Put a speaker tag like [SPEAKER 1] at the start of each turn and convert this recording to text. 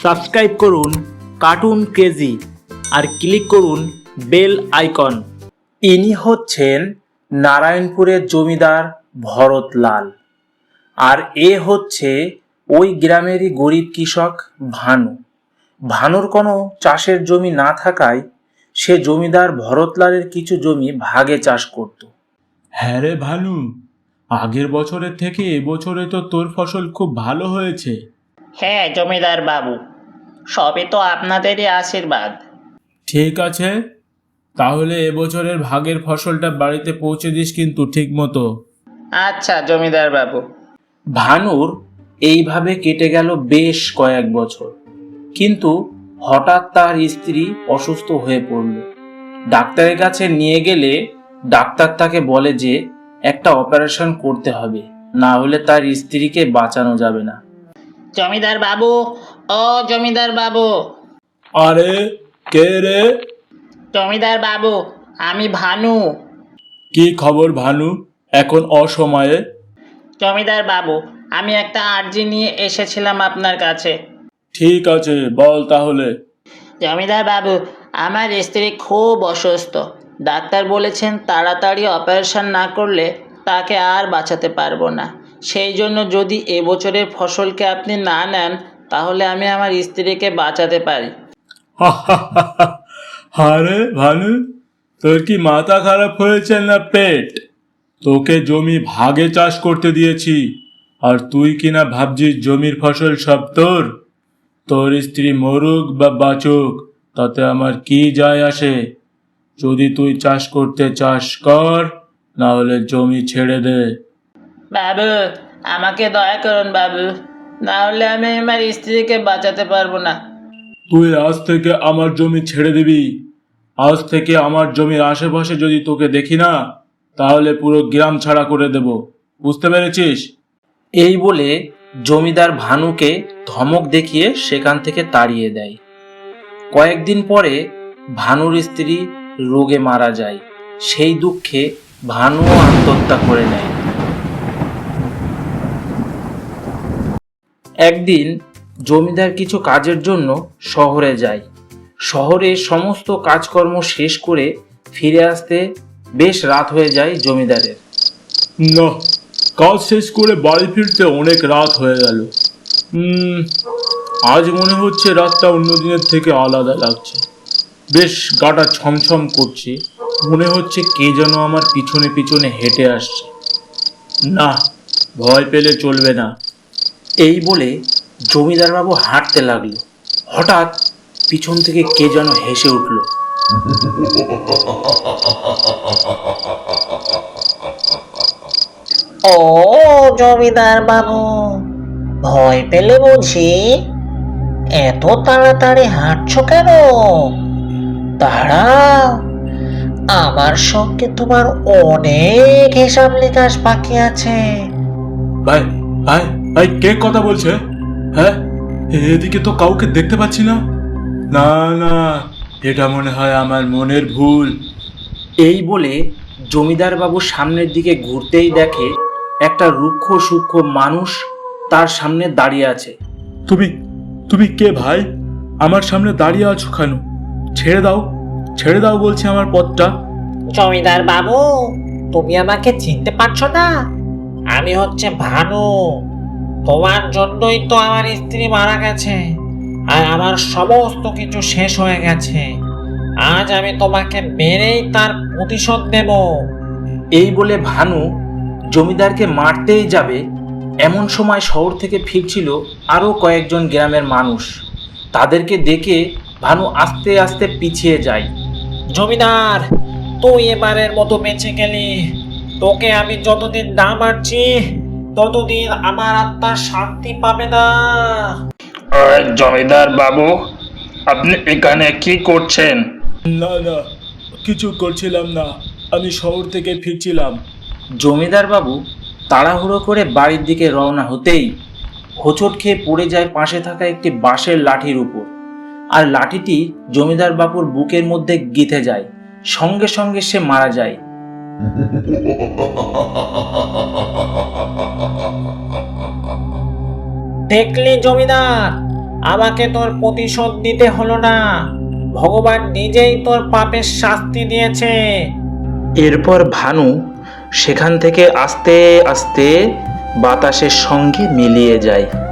[SPEAKER 1] Subscribe করুন cartoon crazy আর click করুন বেল আইকন। ইনি হচ্ছেন নারায়ণপুরের জমিদার ভরতলাল, আর এ হচ্ছে ওই গ্রামেরই গরিব কৃষক ভানু। ভানুর কোনো চাষের জমি না থাকায় সে জমিদার ভরতলালের কিছু জমি ভাগে চাষ করত।
[SPEAKER 2] হ্যাঁ রে ভানু, আগের বছরের থেকে এবছরে তো তোর ফসল খুব ভালো হয়েছে।
[SPEAKER 3] হ্যাঁ জমিদার বাবু, সবই তো আপনাদেরই আশীর্বাদ।
[SPEAKER 2] ঠিক আছে, তাহলে এবছরের ভাগের ফসলটা বাড়িতে পৌঁছে দিস কিন্তু ঠিক মতো।
[SPEAKER 3] আচ্ছা জমিদার বাবু।
[SPEAKER 1] ভানুর এইভাবে কেটে গেল বেশ কয়েক বছর, কিন্তু হঠাৎ তার স্ত্রী অসুস্থ হয়ে পড়ল। ডাক্তারের কাছে নিয়ে গেলে ডাক্তার তাকে বলে যে একটা অপারেশন করতে হবে, না হলে তার স্ত্রীকে বাঁচানো যাবে না।
[SPEAKER 3] জমিদার বাবু, ও জমিদার বাবু।
[SPEAKER 2] আরে কে রে?
[SPEAKER 3] জমিদার বাবু, আমি ভানু।
[SPEAKER 2] কি খবর ভানু, এখন অসময়ে?
[SPEAKER 3] জমিদার বাবু, আমি একটা আর্জি নিয়ে এসেছিলাম আপনার কাছে।
[SPEAKER 2] ঠিক আছে, বল তাহলে।
[SPEAKER 3] জমিদার বাবু, আমার স্ত্রী খুব অসুস্থ। ডাক্তার বলেছেন তাড়াতাড়ি অপারেশন না করলে তাকে আর বাঁচাতে পারবো না। সেই জন্য যদি এবছরের ফসলকে আপনি না নেন, তাহলে আমি আমার স্ত্রীকে বাঁচাতে পারি।
[SPEAKER 2] আরে ভানু, তোর কি মাথা খারাপ হয়েছে না পেট? তোকে জমি ভাগে চাষ করতে দিয়েছি, আর তুই কিনা ভাবছিস জমির ফসল সব তোর? তোর স্ত্রী মরুক বা বাঁচুক তাতে আমার কি যায় আসে? যদি তুই চাষ করতে চাস কর, না হলে জমি ছেড়ে দে।
[SPEAKER 3] বাবু, আমাকে দয়া করুন বাবু, না হলে আমি আমার স্ত্রীকে বাঁচাতে পারবো না।
[SPEAKER 2] তুই আজ থেকে আমার জমি ছেড়ে দিবি। আজ থেকে আমার জমির আশেপাশে যদি তোকে দেখি না, তাহলে পুরো গ্রাম ছাড়া করে দেব। বুঝতে পেরেছিস?
[SPEAKER 1] এই বলে জমিদার ভানুকে ধমক দেখিয়ে সেখান থেকে তাড়িয়ে দেয়। কয়েকদিন পরে ভানুর স্ত্রী রোগে মারা যায়। সেই দুঃখে ভানুও আত্মহত্যা করে নেয়। একদিন জমিদার কিছু কাজের জন্য শহরে যায়। শহরে সমস্ত কাজকর্ম শেষ করে ফিরে আসতে বেশ রাত হয়ে যায় জমিদারের।
[SPEAKER 2] না, কাজ শেষ করে বাড়ি ফিরতে অনেক রাত হয়ে গেল। আজ মনে হচ্ছে রাতটা অন্য দিনের থেকে আলাদা লাগছে। বেশ গাটা ছমছম করছে, মনে হচ্ছে কে যেন আমার পিছনে পিছনে হেঁটে আসছে। না, ভয় পেলে চলবে না।
[SPEAKER 1] এই বলে জমিদারবাবু হাঁটতে লাগলো। হঠাৎ পিছন থেকে কে যেন হেসে উঠল।
[SPEAKER 4] ও জমিদার বাবু, ভয় পেলে বুঝি? এত তাড়াতাড়ি হাঁটছো কেন? দাঁড়াও, আমার সঙ্গে তোমার অনেক হিসাব নিকাশ বাকি আছে।
[SPEAKER 2] ভাই ভাই ভাই, কে কথা বলছে? হ্যাঁ, এদিকে তো কাউকে দেখতে পাচ্ছি না। না না, এটা মনে হয় আমার মনের ভুল।
[SPEAKER 1] এই বলে জমিদার বাবু সামনের দিকে ঘুরতেই দেখে একটা রুক্ষ সূক্ষ্ম মানুষ তার সামনে দাঁড়িয়ে আছে।
[SPEAKER 2] তুমি তুমি কে ভাই? আমার সামনে দাঁড়িয়ে আছো কেন? ছেড়ে দাও, ছেড়ে দাও বলছি আমার পথটা।
[SPEAKER 4] জমিদার বাবু, তুমি আমাকে চিনতে পারছো না? আমি হচ্ছে ভানু। তোমার জন্যই তো আমার স্ত্রী মারা গেছে, আর আমার সমস্ত কিছু শেষ হয়ে গেছে। আজ আমি তোমাকে মেরেই তার প্রতিশোধ দেব।
[SPEAKER 1] এই বলে ভানু জমিদারকে মারতেই যাবে, এমন সময় শহর থেকে ফিরছিল আরও কয়েকজন গ্রামের মানুষ। তাদেরকে দেখে ভানু আস্তে আস্তে পিছিয়ে যায়।
[SPEAKER 4] জমিদার, তুই এবারের মতো বেঁচে গেলি। তোকে আমি যতদিন না মারছি, ততদিন আমার আত্মা শান্তি পাবে না।
[SPEAKER 1] জমিদার বাবু, আপনি এখানে কি করছেন?
[SPEAKER 2] না না, কিছু করছিলাম না, আমি শহর থেকে ফিরছিলাম।
[SPEAKER 1] জমিদার বাবু তাড়াহুড়ো করে বাড়ির দিকে রওনা হতেই হোঁচট খেয়ে পড়ে যায় পাশে থাকা একটি বাঁশের লাঠির উপর, আর লাঠিটি জমিদার বাবুর বুকের মধ্যে গেঁথে যায়। সঙ্গে সঙ্গে সে মারা যায়।
[SPEAKER 4] দেখলি জমিদার, আমাকে তোর প্রতিশোধ দিতে হলো না, ভগবান নিজেই তোর পাপের শাস্তি দিয়েছে।
[SPEAKER 1] এরপর ভানু সেখান থেকে আস্তে আস্তে বাতাসের সঙ্গে মিলিয়ে যায়।